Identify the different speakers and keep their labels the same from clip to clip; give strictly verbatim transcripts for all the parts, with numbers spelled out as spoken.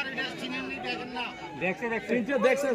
Speaker 1: দেখছে দেখছে দেখছে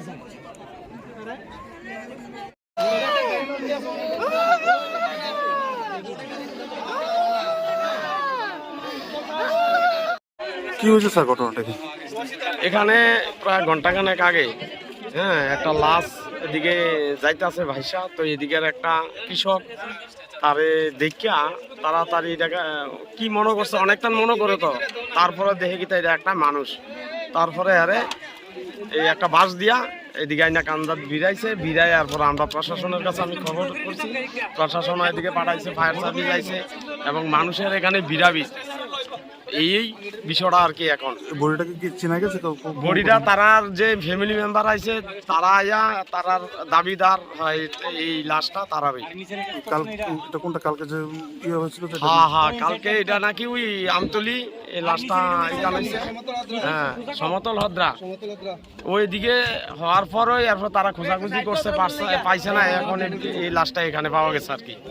Speaker 2: কি হয়েছে স্যার ঘটনাটা কি?
Speaker 3: এখানে প্রায় ঘন্টাখানেক আগে হ্যাঁ একটা লাশ এদিকে যাইতেছে ভাইসা, তো এদিকের একটা কৃষক তারে দেখিয়া তাড়াতাড়ি এটাকে কি মনে করছে, অনেকটা মনে করে, তো তারপরে দেখে কি এটা একটা মানুষ। তারপরে আরে এই একটা বাস দিয়া এদিকে আইনা কান্দাত বিড়াইছে, বিড়াই পর আমরা প্রশাসনের কাছে আমি খবর করছি, প্রশাসন এদিকে পাঠাইছে, ফায়ার সার্ভিস আইছে এবং মানুষের এখানে বিড়াবি এই বিষয়টা আর কি। এখন
Speaker 2: বডিটাকে কি চেনা গেছে?
Speaker 3: বডিটা তারার যে ফ্যামিলি মেম্বার আছে তারা আয়া তারার দাবিদার হয় এই লাশটা তারারই।
Speaker 2: কাল এটা কোনটা কালকে যে ইয়ে হয়েছিল?
Speaker 3: হ্যাঁ হ্যাঁ কালকে এটা নাকি ওই আমতলি এই লাশটা এটা হয়েছে, হ্যাঁ সমতল হদ্রা ওইদিকে হওয়ার পরই এরপর তারা খোঁজাখুঁজি করছে, পাইছে না, এখন এই লাশটা এখানে পাওয়া গেছে আর কি।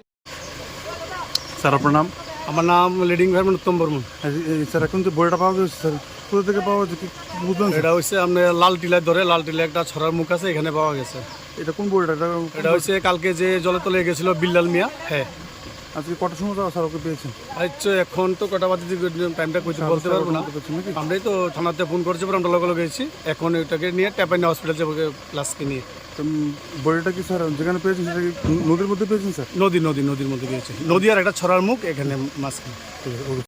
Speaker 2: স্যার আপনার নাম?
Speaker 4: আমার নাম লিডিং ভার্মন উত্তম বর্মন।
Speaker 2: স্যার এখন যে বডিটা পাওয়া গেছে স্যার কোথা থেকে পাওয়া গেছে কি বুঝলেন?
Speaker 4: এটা হচ্ছে আপনার লাল টিলায় ধরে, লাল টিলায় একটা ছড়ার মুখ আছে, এখানে পাওয়া গেছে।
Speaker 2: এটা কোন বডিটা? এটা
Speaker 4: এটা হচ্ছে কালকে যে জলে তলে গেছিল বিল্লাল মিয়া। হ্যাঁ
Speaker 2: আজকে কটার সময় যাওয়া স্যার ওকে পেয়েছেন?
Speaker 4: আচ্ছা এখন তো কটা বাজে টাইমটা কইতে বলতে পারবো না, আমরাই তো থানাতে ফোন করছি, আমরা লগে লগে গেছি, এখন ওইটাকে নিয়ে ট্যাপাইনা হসপিটাল যাবো লাশকে নিয়ে।
Speaker 2: বডিটা কি স্যার যেখানে পেয়েছেন সেটা কি নদীর মধ্যে পেয়েছেন স্যার?
Speaker 4: নদী নদী নদীর মধ্যে গিয়েছে, নদী আর একটা ছড়ার মুখ এখানে মাঝখানে।